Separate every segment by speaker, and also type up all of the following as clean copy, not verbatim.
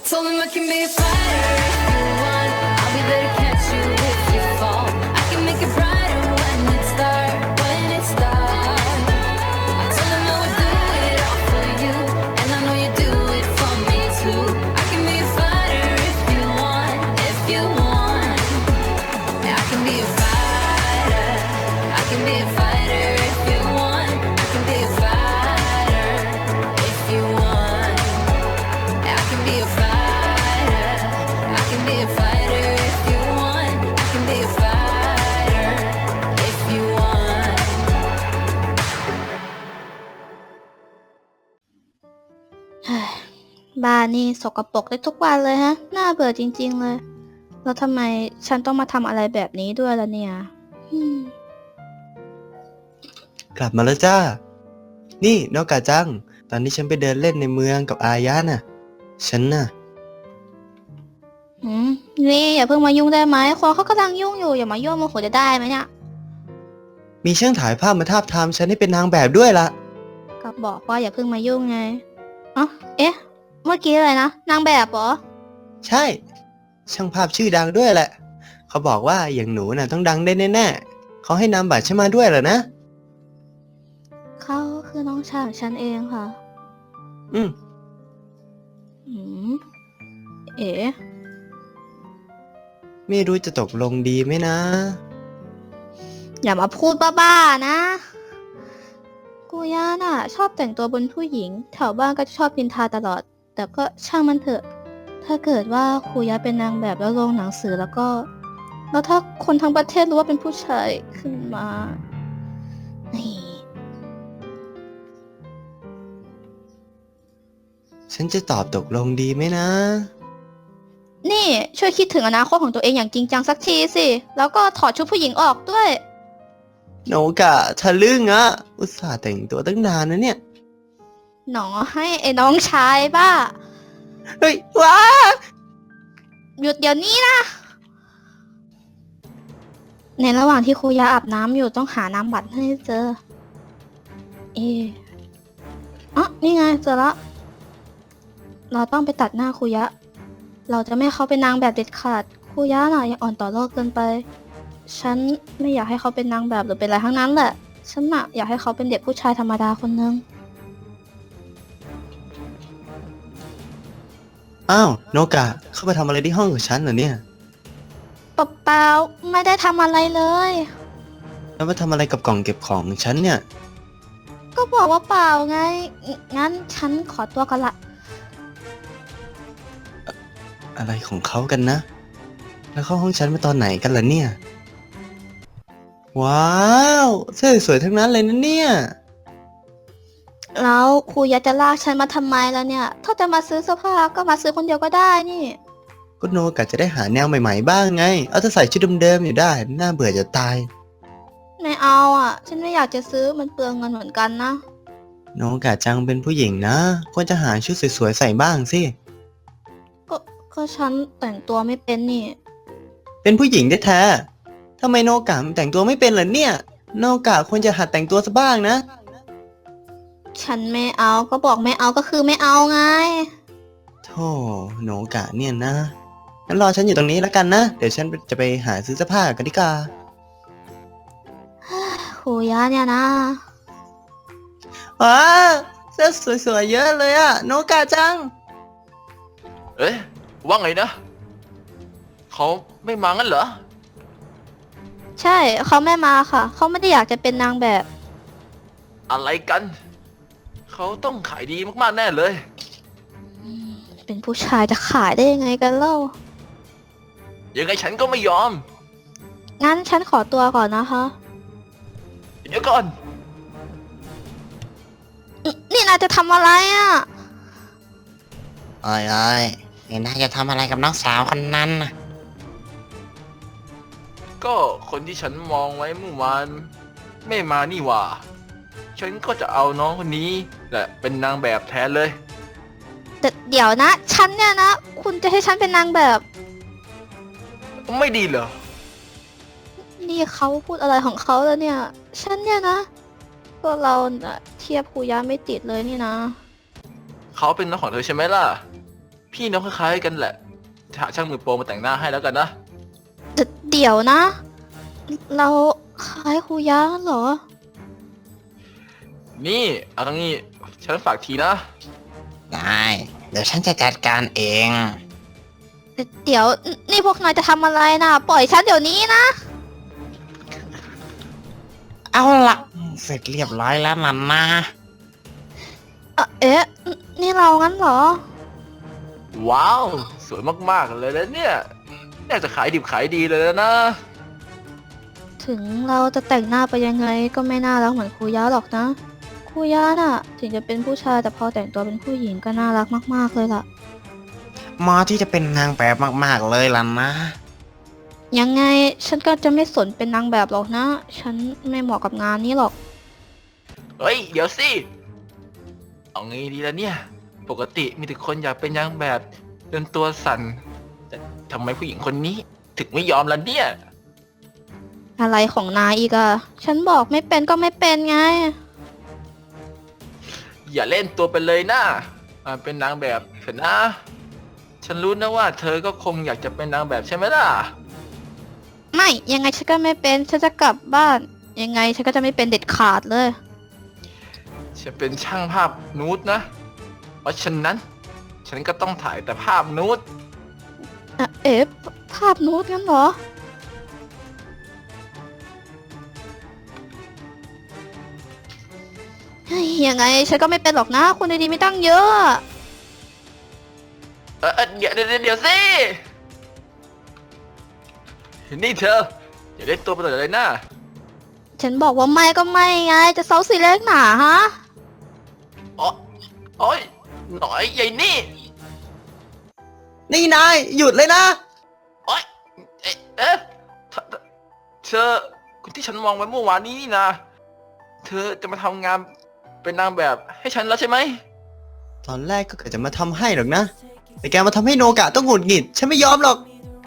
Speaker 1: told him I can be a fighter if you want. I'll be there to catch you if you fall. I can make it brighter when it's dark, when it's dark. I told him I would do it all for you, and I know you do it for me too. I can be a fighter if you want, if you want. Yeah, I can be a fighter. I can be a fighter if you want. I can be a fighter if you want. Yeah, I can be a fighter. I can be a fighter if you want. I can be a fighter if you want.
Speaker 2: เฮ้ยบ้านนี่สกปรกได้ทุกวันเลยฮะ น่าเบื่อจริงๆเลย แล้วทำไมฉันต้องมาทำอะไรแบบนี้ด้วยล่ะเนี่ย
Speaker 3: กลับมาแล้วจ้า นี่นอกกาจัง ตอนที่ฉันไปเดินเล่นในเมืองกับอายะน่ะ ฉันน่ะ
Speaker 2: นี่อย่าเพิ่งมายุ่งได้ไหมคนเขากำลังยุ่งอยู่อย่ามายุ่งโมโหจะได้ไหมเนี่ย
Speaker 3: มีช่างถ่ายภาพมาทาบทามฉันให้เป็นนางแบบด้วยละ
Speaker 2: ก็บอกว่าอย่าเพิ่งมายุ่งไงอ๋อเอ๊ะ เมื่อกี้อะไรนะนางแบบเหรอ
Speaker 3: ใช่ ช่างภาพชื่อดังด้วยแหละ เขาบอกว่าอย่างหนูน่ะต้องดังได้แน่ๆเขาให้นามบัตรฉันมาด้วยเหรอนะ
Speaker 2: เขาคือน้องชายของฉันเองค่ะ
Speaker 3: อืม
Speaker 2: อืมเอ๋
Speaker 3: ไม่รู้จะตกลงดีไหมนะ
Speaker 2: อย่ามาพูดบ้าๆนะกูย่าน่ะ ชอบแต่งตัวบนผู้หญิง แถวบ้านก็ชอบพินทาตลอด แต่ก็ช่างมันเถอะ ถ้าเกิดว่าครูย่าเป็นนางแบบแล้วลงหนังสือแล้วก็ แล้วถ้าคนทั้งประเทศรู้ว่าเป็นผู้ชายขึ้นมานี่
Speaker 3: ฉันจะตอบตกลงดีไหมนะ
Speaker 2: นี่ช่วยคิดถึงอนาคตของตัวเองอย่างจริงจังสักทีสิ แล้วก็ถอดชุดผู้หญิงออกด้วย
Speaker 3: โนกะทะลึ่งอะอุตส่าห์แต่งตัวตั้งนานนะเนี่ย
Speaker 2: หนอให้ไอ้น้องชายบ้า
Speaker 3: เฮ้ยว้า
Speaker 2: หยุดเดี๋ยวนี้นะ ในระหว่างที่ครูยาอาบน้ำอยู่ต้องหานามบัตรให้เจอ อ๋อนี่ไงเจอละ เราต้องไปตัดหน้าครูยะ เราจะไม่ให้เขาเป็นนางแบบเด็ดขาดครูยะน่ะยังอ่อนต่อโลกเกินไป ฉันไม่อยากให้เขาเป็นนางแบบหรือเป็นอะไรทั้งนั้นแหละ ฉันน่ะอยากให้เขาเป็นเด็กผู้ชายธรรมดาคนนึง
Speaker 3: อ้าวโนกะเข้าไปทำอะไรที่ห้องของฉันเหรอเนี่ย
Speaker 2: เปล่าๆไม่ได้ทำอะไรเลย
Speaker 3: แล้วมาทำอะไรกับกล่องเก็บของของฉันเนี่ย
Speaker 2: ก็บอกว่าเปล่าไง งั้นฉันขอตัวกันละ
Speaker 3: อะไรของเขากันนะ แล้วเข้าห้องฉันมาตอนไหนกันล่ะเนี่ย ว้าวเสื้อสวยๆทั้งนั้นเลยนะเนี่ย
Speaker 2: แล้วครูยะจะลากฉันมาทำไมแล้วเนี่ย ถ้าจะมาซื้อเสื้อผ้าก็มาซื้อคนเดียวก็ได้นี่
Speaker 3: ก็โนกะจะได้หาแนวใหม่ๆบ้างไง เอาแต่ใส่ชุดเดิมๆอยู่ได้ น่าเบื่อจะตาย
Speaker 2: ไม่เอาอ่ะ ฉันไม่อยากจะซื้อมันเปลืองเงินเหมือนกันนะ
Speaker 3: โนกะจังเป็นผู้หญิงนะ ควรจะหาชุดสวยๆใส่บ้างสิ
Speaker 2: ก็ฉันแต่งตัวไม่เป็นนี่
Speaker 3: เป็นผู้หญิงแท้ๆทำไมโนกะแต่งตัวไม่เป็นล่ะเนี่ย โนกะควรจะหัดแต่งตัวซะบ้างนะ
Speaker 2: ฉันไม่เอาก็บอกไม่เอาก็คือไม่เอาไง
Speaker 3: โธ่โนกะเนี่ยนะ งั้นรอฉันอยู่ตรงนี้แล้วกันนะ เดี๋ยวฉันจะไปหาซื้อเสื้อผ้ากันดีกว่า
Speaker 2: ครูยะเนี่ยนะ
Speaker 3: ว้าเสื้อสวยๆเยอะเลยอะโนกะจัง
Speaker 4: เอ๊ะว่าไงนะ เขาไม่มางั้นเหรอ
Speaker 2: ใช่เขาไม่มาค่ะ เขาไม่ได้อยากจะเป็นนางแบบ
Speaker 4: อะไรกัน เขาต้องขายดีมากๆแน่เลย
Speaker 2: เป็นผู้ชายจะขายได้ยังไงกันเล่า
Speaker 4: ยังไงฉันก็ไม่ยอม
Speaker 2: งั้นฉันขอตัวก่อนนะคะ
Speaker 4: เดี๋ยวก่อน
Speaker 2: นี่นายจะทำอะไรอ่ะ
Speaker 5: เอ้ยนี่นายจะทำอะไรกับน้องสาวคนนั้นน่ะ
Speaker 4: ก็คนที่ฉันมองไว้เมื่อวานไม่มานี่หว่า ฉันก็จะเอาน้องคนนี้แหละเป็นนางแบบแทนเลย
Speaker 2: แต่เดี๋ยวนะ ฉันเนี่ยนะ คุณจะให้ฉันเป็นนางแบบ
Speaker 4: ไม่ดีเหรอ
Speaker 2: นี่เขาพูดอะไรของเขาแล้วเนี่ย ฉันเนี่ยนะ ก็เราน่ะเทียบครูยะไม่ติดเลยนี่นะ
Speaker 4: เขาเป็นน้องของเธอใช่ไหมล่ะพี่น้องคล้ายๆกันแหละหาช่างมือโปรมาแต่งหน้าให้แล้วกันนะ
Speaker 2: เดี๋ยวนะ เราคล้ายครูยะเหรอ
Speaker 4: นี่เอาทั้งนี้ฉันฝากทีนะ
Speaker 5: ได้ เดี๋ยวฉันจะจัดการเอง
Speaker 2: เดี๋ยวนี่พวกนายจะทำอะไรนะปล่อยฉันเดี๋ยวนี้นะ
Speaker 5: เอาละเสร็จเรียบร้อยแล้วนะนะ
Speaker 2: เอ๊ะ นี่เรางั้นเหรอ
Speaker 4: ว้าว สวยมากๆเลยนะเนี่ยน่าจะขายดิบขายดีเลยนะ
Speaker 2: ถึงเราจะแต่งหน้าไปยังไงก็ไม่น่ารักเหมือนครูยะหรอกนะ ครูยะน่ะ ถึงจะเป็นผู้ชายแต่พอแต่งตัวเป็นผู้หญิงก็น่ารักมากๆเลยล่ะ
Speaker 5: หมอที่จะเป็นนางแบบมากๆเลยล่ะนะ
Speaker 2: ยังไงฉันก็จะไม่สนเป็นนางแบบหรอกนะ ฉันไม่เหมาะกับงานนี้หรอก
Speaker 4: เฮ้ย เดี๋ยวสิ เอางี้ดีละเนี่ย ปกติมีแต่คนอยากเป็นนางแบบจนตัวสั่น แต่ทำไมผู้หญิงคนนี้ถึงไม่ยอมล่ะเนี่ย
Speaker 2: อะไรของนายอีกอะฉันบอกไม่เป็นก็ไม่เป็นไง
Speaker 4: อย่าเล่นตัวไปเลยนะมาเป็นนางแบบเถอะนะ ฉันรู้นะว่าเธอก็คงอยากจะเป็นนางแบบใช่ไหมล่ะ
Speaker 2: ไม่ ยังไงฉันก็ไม่เป็น ฉันจะกลับบ้าน ยังไงฉันก็จะไม่เป็นเด็ดขาดเลย
Speaker 4: ฉันเป็นช่างภาพนูดนะ เพราะฉะนั้น ฉันก็ต้องถ่ายแต่ภาพนูด
Speaker 2: เอ๊ะภาพนูดงั้นเหรอ เฮ้ยยังไงฉันก็ไม่เป็นหรอกนะคนดีๆไม่ตั้งเยอะ
Speaker 4: เดี๋ยวสิ นี่เธอ อย่าเล่นตัวไปเลยนะ
Speaker 2: ฉันบอกว่าไม่ก็ไม่ไง จะเซาซีเล็กหนาฮะ
Speaker 4: โอ้ยหน่อยใหญ่นี่
Speaker 3: นี่นายหยุดเลยนะ
Speaker 4: โอ๊ยเอ๊ะเธอคนที่ฉันมองไว้เมื่อวานนี้นี่นะ เธอจะมาทำงานเป็นนางแบบให้ฉันแล้วใช่ไหม
Speaker 3: ตอนแรกก็เกิดจะมาทำให้หรอกนะ แต่แกมาทำให้โนกะต้องหงุดหงิด ฉันไม่ยอมหรอก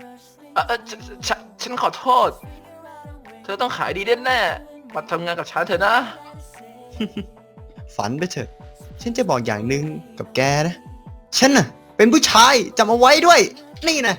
Speaker 4: ฉันขอโทษ เธอต้องขายดีแน่ๆมาทำงานกับฉันเถอะนะ
Speaker 3: ฝันไปเถอะ ฉันจะบอกอย่างหนึ่งกับแกนะ ฉันน่ะ เป็นผู้ชายจำเอาไว้ด้วย นี่นะ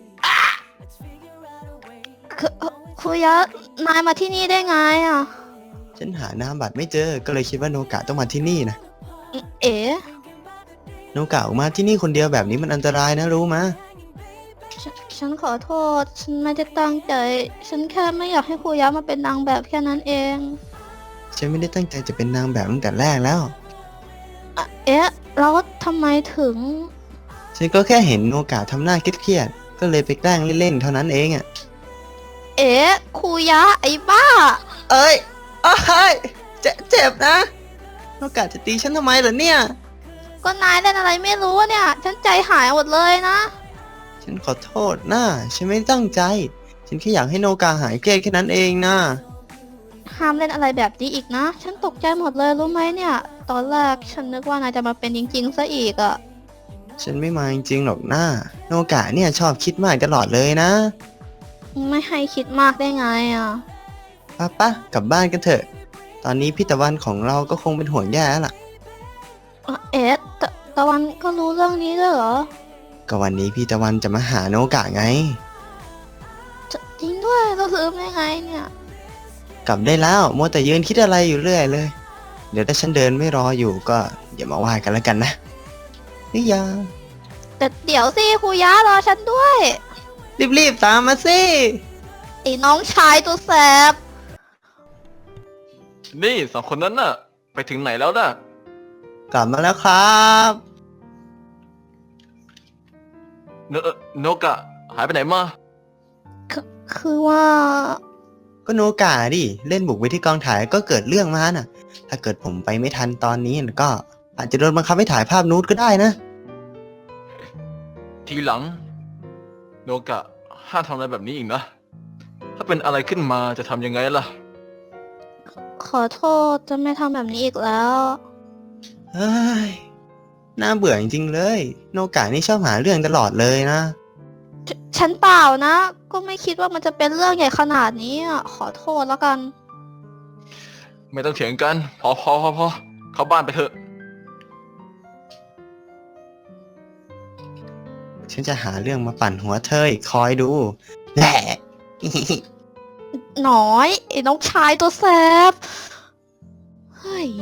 Speaker 2: ครูยะ นายมาที่นี่ได้ไงอ่ะ
Speaker 3: ฉันหานามบัตรไม่เจอ ก็เลยคิดว่าโนกะต้องมาที่นี่นะ
Speaker 2: เอ๋
Speaker 3: โนกะออกมาที่นี่คนเดียวแบบนี้มันอันตรายนะรู้มะ
Speaker 2: ฉันขอโทษ ฉันไม่ได้ตั้งใจ ฉันแค่ไม่อยากให้ครูยะมาเป็นนางแบบแค่นั้นเอง
Speaker 3: ฉันไม่ได้ตั้งใจจะเป็นนางแบบตั้งแต่แรกแล้ว
Speaker 2: เอ๊ะ แล้วทำไมถึง
Speaker 3: ฉันก็แค่เห็นโนกะทำหน้าเครียดๆ ก็เลยไปแกล้งเล่นๆ เท่านั้นเองอ่ะ
Speaker 2: เอ๊ะครูยะไอ้บ้า
Speaker 3: เอ้ยเจ็บนะ โนกะจะตีฉันทำไมเหรอเนี่ย
Speaker 2: ก็นายเล่นอะไรไม่รู้เนี่ย ฉันใจหายหมดเลยนะ
Speaker 3: ฉันขอโทษนะฉันไม่ได้ตั้งใจ ฉันแค่อยากให้โนกาหายเครียดแค่นั้นเองนะ
Speaker 2: ห้ามเล่นอะไรแบบนี้อีกนะ ฉันตกใจหมดเลยรู้ไหมเนี่ย ตอนแรกฉันนึกว่านายจะมาเป็นจริงๆซะอีกอะ
Speaker 3: ฉันไม่มาจริงๆหรอกนะโนกะเนี่ยชอบคิดมากตลอดเลยนะ
Speaker 2: ไม่ให้คิดมากได้ไงอะ
Speaker 3: ป้ากลับบ้านกันเถอะ ตอนนี้พี่ตะวันของเราก็คงเป็นห่วงแย่แล้วล่ะ
Speaker 2: เอ๊ะตะวันก็รู้เรื่องนี้ด้วยเหรอ
Speaker 3: ก็วันนี้พี่ตะวันจะมาหาโนกะไง
Speaker 2: จริงด้วยเราลืมได้ไงเนี่ย
Speaker 3: กลับได้แล้วมัวแต่ยืนคิดอะไรอยู่เรื่อยเลย เดี๋ยวถ้าฉันเดินไม่รออยู่ก็อย่ามาว่ากันแล้วกันนะนี่ยา
Speaker 2: แต่เดี๋ยวสิครูยะรอฉันด้วย
Speaker 3: รีบๆตามมาสิ
Speaker 2: ไอ้น้องชายตัวแสบ
Speaker 4: นี่สองคนนั้นน่ะ ไปถึงไหนแล้วน่ะ
Speaker 3: กลับมาแล้วครับ
Speaker 4: โนกะ หายไปไหนมา
Speaker 2: คือว่า
Speaker 3: ก็โนกะดิเล่นบุกไปที่กองถ่ายก็เกิดเรื่องมาน่ะ ถ้าเกิดผมไปไม่ทันตอนนี้ก็อาจจะโดนบังคับให้ถ่ายภาพนูดก็ได้นะ
Speaker 4: ทีหลัง โนกะ ห้ามทำอะไรแบบนี้อีกนะ ถ้าเป็นอะไรขึ้นมาจะทำยังไงล่ะ
Speaker 2: ขอโทษจะไม่ทำแบบนี้อีกแล้ว
Speaker 3: เฮ้ย น่าเบื่อจริงๆเลย โนกะนี่ชอบหาเรื่องตลอดเลยนะ
Speaker 2: ฉันเปล่านะ ก็ไม่คิดว่ามันจะเป็นเรื่องใหญ่ขนาดนี้อะขอโทษแล้วกัน
Speaker 4: ไม่ต้องเถียงกัน พอเข้าบ้านไปเถอะ
Speaker 3: ฉันจะหาเรื่องมาปั่นหัวเธออีกคอยดูแหละ
Speaker 2: หน้อยไอ้น้องชายตัวแสบเฮ้ย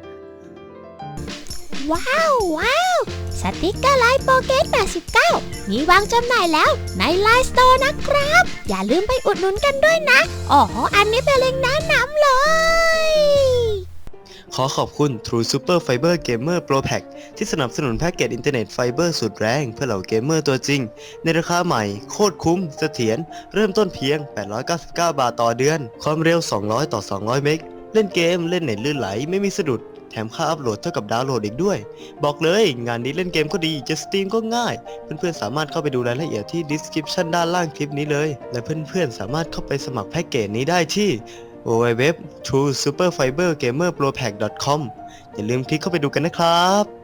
Speaker 6: ว้าวสติกเกอร์ไลน์โปเกต89มีวางจำหน่ายแล้วในไลน์สโตร์นะครับ อย่าลืมไปอุดหนุนกันด้วยนะอ๋ออันนี้เป็นเล็งก์แนะนำเลย
Speaker 3: ขอขอบคุณ True Super Fiber Gamer Pro Pack ที่สนับสนุนแพ็กเกจอินเทอร์เน็ตไฟเบอร์สุดแรงเพื่อเหล่าเกมเมอร์ตัวจริง ในราคาใหม่โคตรคุ้มเสถียรเริ่มต้นเพียง 899 บาทต่อเดือน ความเร็ว 200 ต่อ 200 เมกเล่นเกมเล่นเน็ตลื่นไหลไม่มีสะดุด แถมค่าอัพโหลดเท่ากับดาวน์โหลดอีกด้วย บอกเลยงานนี้เล่นเกมก็ดีจะสตรีมก็ง่าย เพื่อนๆสามารถเข้าไปดูรายละเอียดที่ description ด้านล่างคลิปนี้เลย และเพื่อนๆสามารถเข้าไปสมัครแพ็กเกจนี้ได้ที่ www.truesuperfibergamerpropack.com อย่าลืมคลิกเข้าไปดูกันนะครับ